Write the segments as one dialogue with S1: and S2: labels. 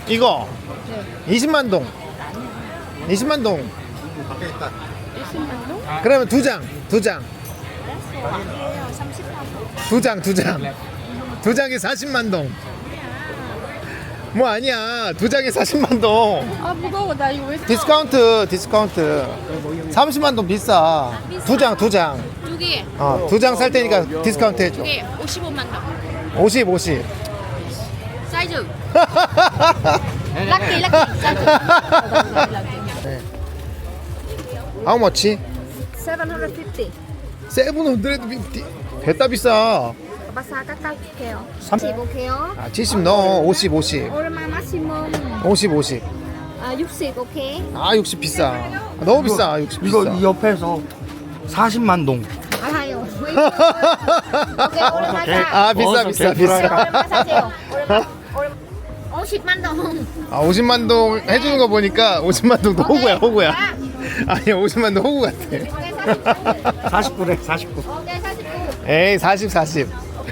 S1: 이거
S2: 네.
S1: 20만 동. 20만 동.
S2: 20만 동?
S1: 그러면 두 장. 두 장.
S2: 아니에요. 30만 동.
S1: 두 장, 두 장. 두 장에 40만 동. 뭐 아니야. 두 장에 40만 동.
S2: 아 무거워. 나 이거 왜 사?
S1: 디스카운트, 디스카운트. 30만 동 비싸. 두 장, 두 장.
S2: 두 개.
S1: 두 장 살 테니까 디스카운트 해줘.
S2: 두 개 55만 동.
S1: 50, 50.
S2: 사이즈. 락키 락키. 사이즈.
S1: 네. How much?
S2: 750.
S1: 750. 됐다 비싸.
S2: 바사 깎아줄게요. 35개요.
S1: 70 넣어. 50, 50.
S2: 얼마 마시멈?
S1: 50, 50.
S2: 60 오케이.
S1: 60 비싸. 너무 비싸. 60 비싸.
S3: 이거 이 옆에서 40만 동.
S2: 알아요. 오케이 얼마 사?
S1: 비싸, 비싸, 비싸.
S2: 얼마 사세요? 얼마? 50만 동.
S1: 50만 동 해주는 거 보니까 50만 동도 호구야, 호구야. 아니야, 50만 동 호구 같아.
S3: 49래 49.
S2: 오케이 49.
S1: 에이, 40, 40.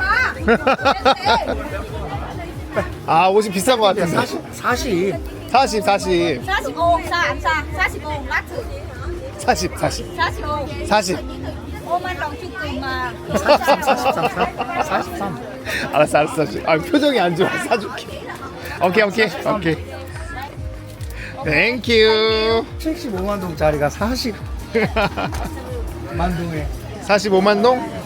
S2: 오빠.
S1: 50 비싼 거 같은데.
S3: 40.
S1: 40, 40.
S2: 45. 사. 45. 마트.
S1: 40, 40.
S2: 45.
S1: 40.
S2: 5만 동 주고 마.
S3: 43.
S1: 알았어, 알았어. 표정이 안 좋아. 사줄게. 오케이, 오케이, 오케이. 땡큐.
S3: 75만 동짜리가 40만 동에
S1: 45만 동?